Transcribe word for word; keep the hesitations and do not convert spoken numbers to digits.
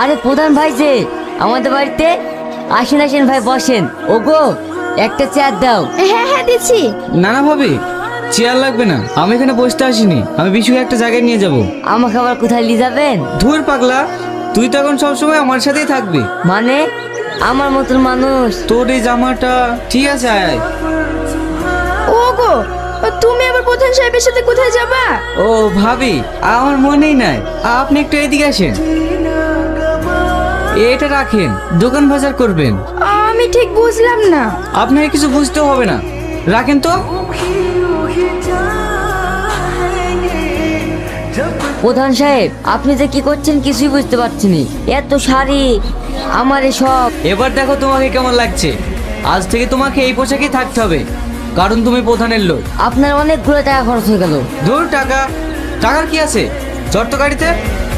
আরে প্রধান ভাই যে আমাদের বাড়িতে আসেন আসেন ভাই বসেন। ওগো একটা চেয়ার দাও। হ্যাঁ হ্যাঁ দিচ্ছি। না না ভাবি, চেয়ার লাগবে না, আমি এখানে বসতে আসিনি, আমি বিশুকে একটা জায়গায় নিয়ে যাব। আমাকে আবার কোথায় নিয়ে যাবেন? ধুর পাগলা, তুই তো এখন সবসময় আমার সাথেই থাকবি। মানে আমার মতন মানুষ। তোর এই জামাটা ঠিক আছে, আয় আয়। ওগো তুমি আবার প্রধান সাহেবের সাথে কোথায় যাবা? ও ভাবি, আমার মনেই নাই, আপনি একটু এদিকে আসেন। এটা রাখেন, দোকান বাজার করবেন। আমি ঠিক বুঝলাম না। আপনাকে কিছু বুঝতে হবে না, রাখেন তো। প্রধান সাহেব আপনি যে কি করছেন কিছুই বুঝতে পারছি না। এত শাড়ি আমার সব। এবার দেখো তোমাকে কেমন লাগছে। আজ থেকে তোমাকে এই পোশাকেই থাকতে হবে, কারণ তুমি প্রধানের লোক। আপনার অনেকগুলো টাকা খরচ হয়ে গেল। ধুর টাকা, টাকার কি আছে, চট তো গাড়িতে।